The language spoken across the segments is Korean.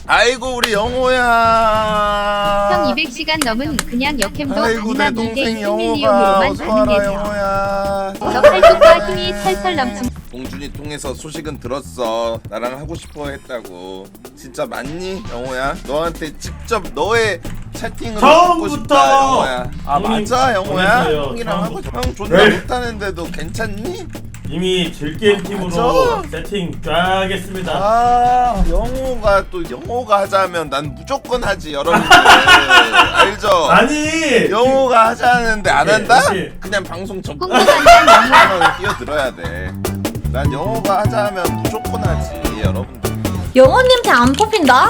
아이고 우리 영호야. 형 200시간 넘은 그냥 역캠도 아이고 내 마지막 동생 미개 영호가 시밀리온으로만 어서와라 가능해져. 영호야. 저 팔뚝과 힘이 철철 넘친 봉준이 통해서 소식은 들었어. 나랑 하고 싶어 했다고. 진짜 맞니 영호야? 너한테 직접 너의 채팅으로 듣고 싶다 처음부터! 영호야. 아 형님 맞아 영호야? 보냈어요, 형이랑 하고 처음부터. 형 존나 네. 못하는데도 괜찮니? 이미 질게임 팀으로 맞아? 세팅 쫙 했습니다. 아 영호가 또 영호가 하자면 난 무조건 하지 여러분들 알죠? 아니 영호가 하자는데 안 오케이, 한다? 오케이. 그냥 방송 전 홍보관장 영호 영호는 뛰어들어야 돼. 난 영호가 하자면 무조건 하지 여러분들. 영호님한테 안 뽑힌다?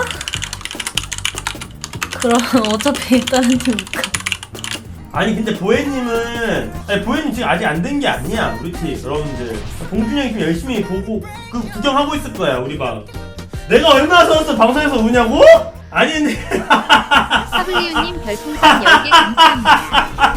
그럼 어차피 다른 팀 못 가. 아니 근데 보혜님은 아니 보혜님 지금 아직 안 된 게 아니야 우리 팀 여러분들. 봉준이 형이 지금 열심히 보고 그 구경하고 있을 거야 우리 방. 내가 얼마나 서서 방송에서 우냐고? 아니 근데 사블리우님 별풍선 10개 감사합니다.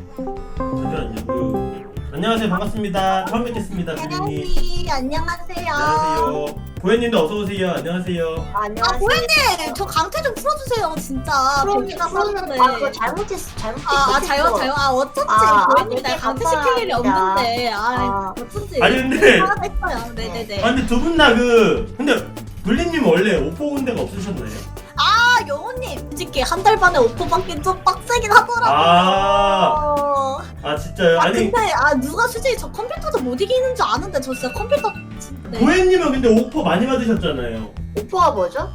잠시만요. 안녕하세요 반갑습니다. 처음 뵙겠습니다 주린님. 혜연이 안녕하세요. 안녕하세요. 보혜님도 어서 오세요. 안녕하세요. 아 보현님 저 강퇴 좀 풀어주세요 진짜. 뵙기나 하는데. 아 그거 잘못했어. 자요. 아 어쩐지 보현님 날 강퇴 시킬 일이 없는데. 어쩐지. 아니 근데 했어요. 네네네. 아 근데 두 분 다 근데 블리님 원래 오퍼 온 데가 없으셨나요? 아 영호님 솔직히 한 달 반에 오퍼 받긴 좀 빡세긴 하더라고요. 아 진짜요? 아니 근데 누가 솔직히 저 컴퓨터도 못 이기는 줄 아는데 저 진짜 컴퓨터 네. 보혜님은 근데 오퍼 많이 받으셨잖아요. 오퍼가 뭐죠?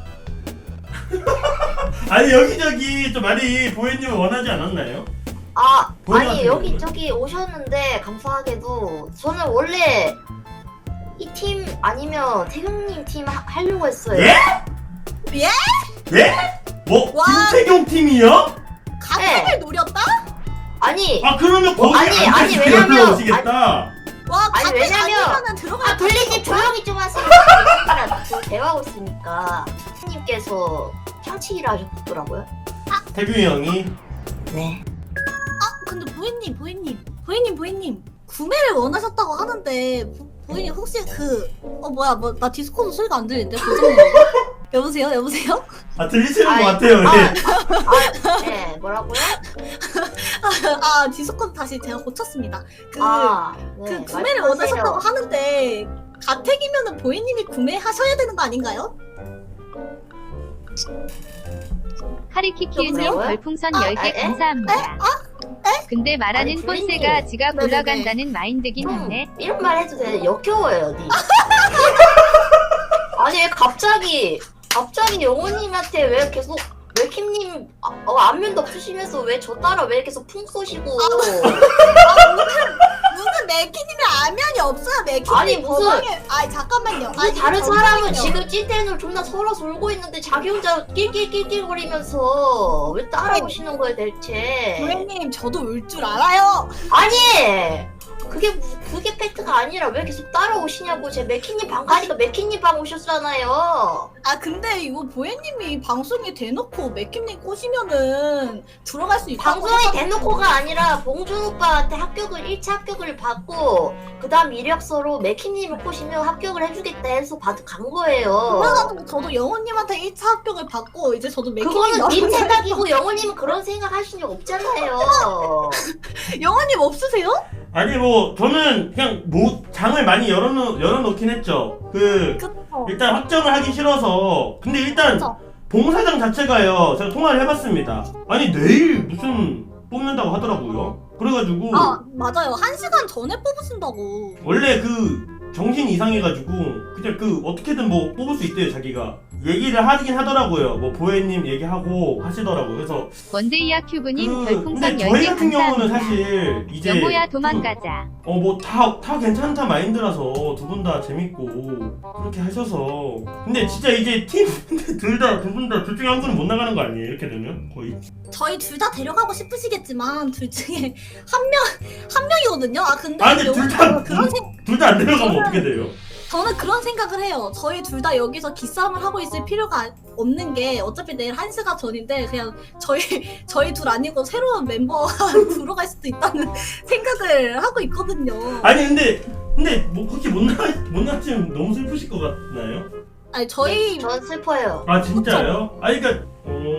아니 여기저기 좀 많이 보혜님을 원하지 않았나요? 아니 같은 여기 경우는? 저기 오셨는데 감사하게도 저는 원래 이 팀 아니면 태경님 팀 하려고 했어요. 예? 예? 예? 뭐 와. 김태경 팀이요? 가택을 노렸다? 아니 아 그러면 거기 아니, 앉아서 왜냐면- 오시겠다. 와 아니, 가택 왜냐면- 아니면은 들어갈 블리님 조용히 좀 하세요. 지금 대화하고 있으니까 님께서 향치기를 하셨더라고요. 태균이 형이 네. 근데 보이님 구매를 원하셨다고 하는데 보이님 혹시 나 디스코드 소리가 안 들리는데 고정님 여보세요? 아 들리시는 아이, 것 같아요. 예. 네 뭐라고요? 디스코드 다시 제가 고쳤습니다. 네, 구매를 원하셨다고 하는데 가택이면은 보이님이 구매하셔야 되는 거 아닌가요? 하리키키우님 여보세요? 별풍선 아, 10개 에? 감사합니다. 근데 말하는 아니, 폰세가 지가 네네네. 굴러간다는 마인드긴 하네. 이런 말 해도 돼. 역겨워요, 어디. 아니, 왜 갑자기 영호님한테 왜 계속, 왜 킴님, 안면도 없으시면서 왜 저 따라 왜 계속 풍 쏘시고. 무슨 맥키님이 안면이 없어요 맥키님. 아니, 무슨- 잠깐만요. 아니, 다른 사람은 지금 찐텐으로 존나 서러서 울고 있는데 자기 혼자 낄낄낄낄거리면서 왜 따라오시는 거예요, 대체. 보이님 저도 울 줄 알아요. 아니! 그게 팩트가 아니라 왜 계속 따라오시냐고. 제 맥키님 방 가니까 맥키님 방 오셨잖아요. 근데 이거 보혜님이 방송에 대놓고 맥킴님 꼬시면은 들어갈 수 있다고 방송에 해서- 대놓고가 아니라 봉준 오빠한테 1차 합격을 받고 그 다음 이력서로 맥키님을 꼬시면 합격을 해주겠다 해서 간 거예요. 그래가지고 저도 영호님한테 1차 합격을 받고 이제 저도 맥킴님 그거는 님 생각이고 영호님은 그런 생각 하신 적 없잖아요. 영호님 없으세요? 아니 뭐 저는 그냥 장을 많이 열어놓긴 했죠. 그쵸. 일단 확정을 하기 싫어서. 근데 일단 그쵸. 봉사장 자체가요. 제가 통화를 해봤습니다. 아니 내일 무슨 뽑는다고 하더라고요. 그래가지고 맞아요. 1시간 전에 뽑으신다고. 원래 정신 이상해가지고 그냥 어떻게든 뭐 뽑을 수 있대요 자기가. 얘기를 하긴 하더라고요. 뭐 보혜님 얘기하고 하시더라고요. 그래서 원데이아 큐브님 근데 별풍선 저희 10개 같은 경우는 감사합니다. 사실 이제 영호야 도망가자. 뭐 다 괜찮다 마인드라서 두 분 다 재밌고 그렇게 하셔서. 근데 진짜 이제 팀 두 분 다 둘 중에 한 분은 못 나가는 거 아니에요? 이렇게 되면 거의. 저희 둘 다 데려가고 싶으시겠지만 둘 중에 한 명이거든요. 근데 근데 둘 다 안 데려가면 저는- 어떻게 돼요? 저는 그런 생각을 해요. 저희 둘 다 여기서 기싸움을 하고 있을 필요가 없는 게 어차피 내일 1시간 전인데 그냥 저희 둘 아니고 새로운 멤버가 들어갈 수도 있다는 생각을 하고 있거든요. 아니 근데 뭐 그렇게 못 나왔으면 너무 슬프실 것 같나요? 아니 저희 전 슬퍼요. 아 진짜요? 아니 그니까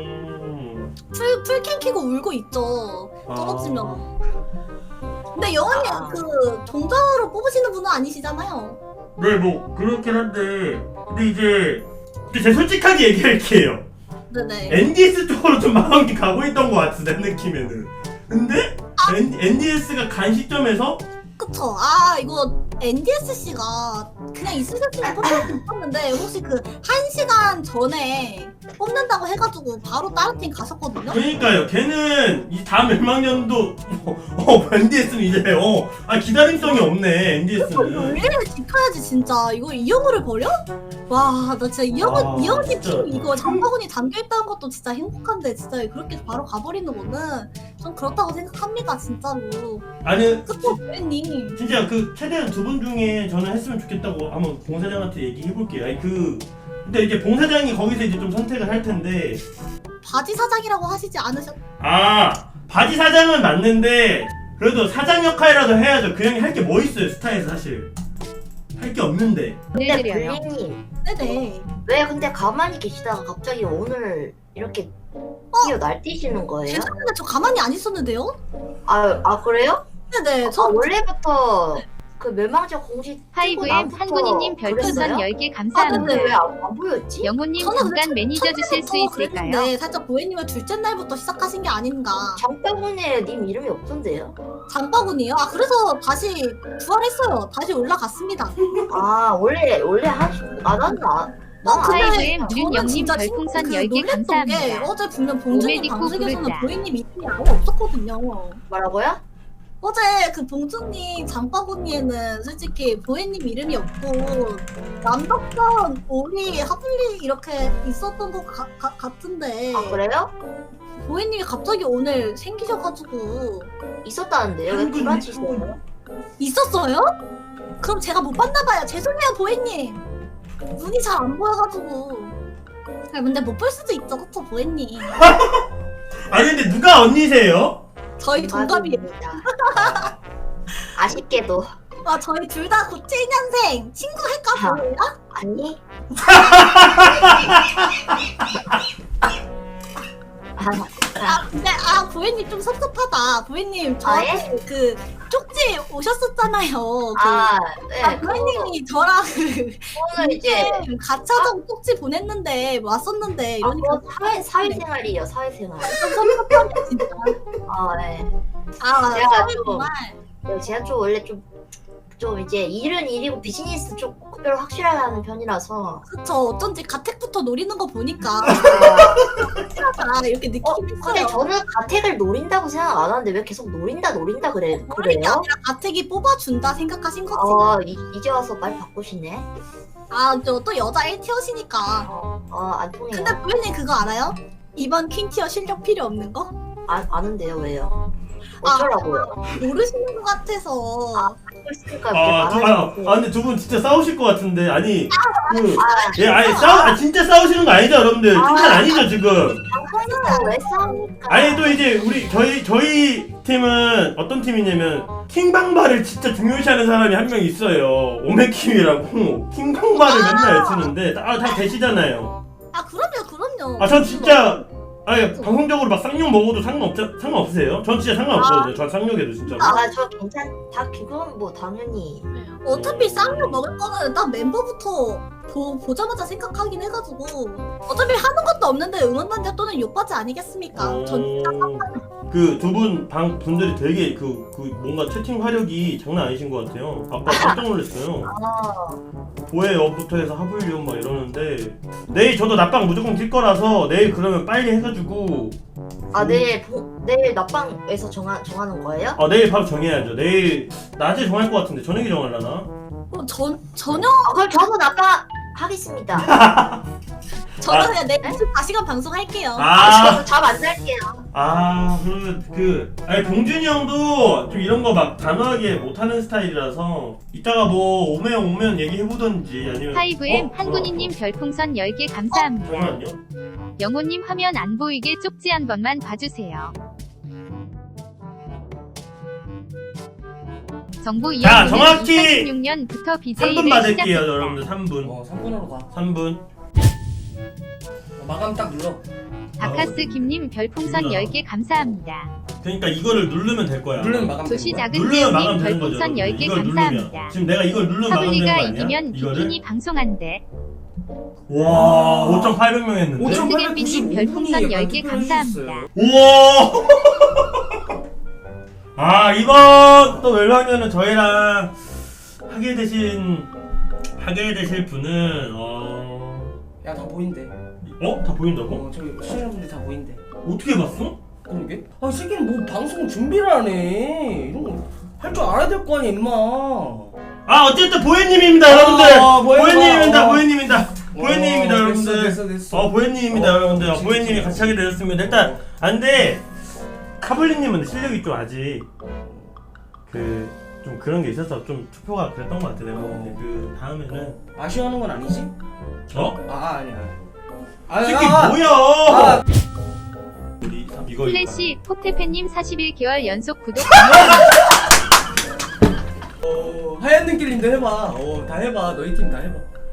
풀캠 키고 울고 있죠. 떨어지면. 근데 여원님 아. 그 종자로 뽑으시는 분은 아니시잖아요. 네, 뭐 그렇긴 한데 근데 제 솔직하게 얘기할게요. 네네. NDS 쪽으로 좀 마음이 가고 있던 것 같은데 느낌에는. 근데 NDS가 간 시점에서 그쵸. 아 이거 NDSC가 그냥 있을 때쯤에 뽑히는 뽑았는데 혹시 그 1시간 전에 뽑는다고 해가지고 바로 다른 팀 가셨거든요? 그러니까요. 걔는 이 다음 멸망년도 NDS는 이제 기다림성이 없네. NDS는. 원리를 지켜야지 진짜. 이거 이영호를 버려? 와 나 진짜 이영호님 진짜. 팀 이거 장바구니 담겨있다는 것도 진짜 행복한데 진짜 그렇게 바로 가버리는 거는 좀 그렇다고 생각합니다 진짜로. 아니 그쵸 님 진짜 그 최대한 두 분 중에 저는 했으면 좋겠다고 한번 봉 사장한테 얘기해 볼게요. 아니 근데 이제 봉 사장이 거기서 이제 좀 선택을 할 텐데. 바지 사장이라고 하시지 않으셨? 아 바지 사장은 맞는데 그래도 사장 역할이라도 해야죠. 그 형이 할 게 뭐 있어요 스타에서 사실 할 게 없는데. 근데 드려요. 블리님 네네. 왜 근데 가만히 계시다가 갑자기 오늘 이렇게 뛰어 날뛰시는 거예요? 죄송한데 저 가만히 안 있었는데요? 아 그래요? 네네. 저 원래부터 그 멸망적 공식 하이브엠 한군이님 별풍선 10개 감사합니다. 근데 왜 안 보였지? 영호님 저는 잠깐 매니저 주실 수 있을까요? 그랬는데 살짝 보혜님은 둘째 날부터 시작하신 게 아닌가. 장바구니에 님 이름이 없던데요? 장바구니요? 아 그래서 다시 부활했어요. 다시 올라갔습니다. 아 원래 나는 하이브엠 저는 윤영님 진짜 별풍선 그 10개 놀랬던 게 감사합니다. 어제 분명 봉준님 오메디코 방송에서는 부르자. 보혜님 이름이 아예 없었거든요. 뭐라고요? 어제 그 봉준님 장바구니에는 솔직히 보혜님 이름이 없고 남덕선, 오리, 하블리 이렇게 있었던 것 같은데 아 그래요? 보혜님이 갑자기 오늘 생기셔가지고 있었다는데요? 왜 한군이 불안치시나요? 있었어요? 그럼 제가 못 봤나봐요. 죄송해요 보혜님. 눈이 잘 안 보여가지고. 아 근데 못 볼 수도 있죠, 그쵸 보혜님. 아니 근데 누가 언니세요? 저희 동갑이에요. 맞습니다. 아쉽게도 아 저희 둘 다 97년생. 친구 할까 보여요? 아니. 근데 보혜님 좀 섭섭하다. 보혜님 아, 저한테 그 쪽지 오셨었잖아요. 네. 보혜님이 저랑 오늘 이제 가차점 쪽지 보냈는데 왔었는데 이러니까 사회생활이에요. 사회생활. 좀 섭섭하네 진짜. 네. 제가 제가 정말 제가 좀 원래 좀 이제 일은 일이고 비즈니스 좀 구별 확실하게 하는 편이라서 그쵸. 어쩐지 가택부터 노리는 거 보니까 확실하다 이렇게 느낌이 근데 있어요. 저는 가택을 노린다고 생각 안 하는데 왜 계속 노린다 노리는 게 그래요? 아니라 가택이 뽑아준다 생각하신 거지. 이제 와서 말 바꾸시네. 저 또 여자 1티어시니까. 안 통해요. 근데 보혜님 그거 알아요? 이번 퀸티어 실력 필요 없는 거? 아는데요 왜요? 어쩌라고요? 모르시는 것 같아서. 그러니까 근데 두 분 진짜 싸우실 것 같은데 아니 아, 아니 진짜 싸우시는 거 아니죠 여러분들? 칭찬 아니죠 지금? 방송에서 왜 싸웁니까? 아니 또 이제 저희 팀은 어떤 팀이냐면 킹방바를 진짜 중요시하는 사람이 한 명 있어요. 오메킴이라고 킹방바를 맨날 외치는데 다 되시잖아요. 그럼요. 전 진짜 방송적으로 막 쌍욕 먹어도 상관없으세요? 전 진짜 상관없거든요. 전 쌍욕해도 진짜로. 저 다 그건 뭐 당연히 어차피 쌍욕 먹을 거는 딱 멤버부터 보자마자 생각하긴 해가지고 어차피 하는 것도 없는데 응원단자 또는 욕받이 아니겠습니까? 전 진짜 그 두 분 방 분들이 되게 그 뭔가 채팅 화력이 장난 아니신 것 같아요. 아까 깜짝 놀랐어요. 보혜업부터 해서 하블리온 막 이러는데 내일 저도 낮방 무조건 낄 거라서 내일 그러면 빨리 해가지고 내일 낮방에서 정하는 거예요? 내일 바로 정해야죠. 내일 낮에 정할 것 같은데 저녁에 정하려나? 전혀 그럼 저도 낮방 하겠습니다. 저는 그냥 내일 24시간 방송할게요. 저도 잠 안 잘게요. 그러면 아니 봉준이 형도 좀 이런 거 막 단호하게 못하는 스타일이라서 이따가 뭐 오면 얘기해보던지 아니면 하이브엠 한군이님 별풍선 10개 감사합니다. 잠깐만요. 영호님 화면 안 보이게 쪽지 한 번만 봐주세요. 정보 자, 이야기는 정확히 2016년부터 3분 BJ를 받을게요, 시작했다. 여러분들. 3분. 3분으로 가. 3분. 마감 딱 눌러. 바카스 김님 별풍선 누구나. 10개 감사합니다. 그러니까 이거를 누르면 될 거야. 누르면 마감 되는 조시 거야? 작은 누르면 마감 배우님 되는 거죠. 별풍선 10개 이걸 감사합니다. 누르면. 지금 내가 이걸 누르면 마감 되는 거 하블리가 아니야? 이기면 이거를? 비키니 방송한대. 와, 5,800명 했는데. 스겜비님 별풍선 10개 감사합니다. 우와! 아, 이번 또 멸망전은 저희랑 하게 되실 분은 야, 다 보인대. 다 보인다고? 저기 시청자분들 다 보인대. 어떻게 봤어? 그러게? 아, 새끼는 뭐 방송 준비를 안 해. 이런 거 할 줄 알아야 될 거 아니야, 임마. 아, 어쨌든 보혜님입니다, 여러분들. 보혜님입니다. 보혜님입니다. 보혜님입니다, 여러분들. 됐어. 보혜님입니다, 여러분들. 진짜, 보혜님이 진짜. 같이 하게 되었습니다. 일단 안돼. 카블리님은 실력이 좀 아직 좀 그런 게 있어서 좀 투표가 그랬던 것 같아. 내가 근데 그 다음에는 아쉬워하는 건 아니지? 아니야. 새끼 아, 뭐야? 우리 이거 플래시 포테페님 41개월 연속 구독. 하얀 눈길님도 해봐. 다 해봐. 너희 팀 다 해봐.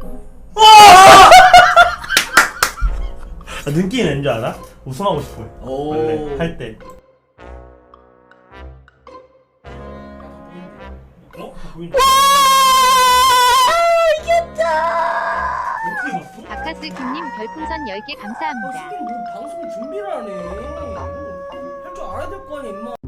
눈길이 낸줄 알아? 우승하고 싶어요. 원래 할 때. 보인다. 어떻게 봤어? 바카스 김님 별풍선 10개 감사합니다. 새끼는 뭐 방송 준비를 안 해. 할 줄 알아야 될 거 아니야, 임마.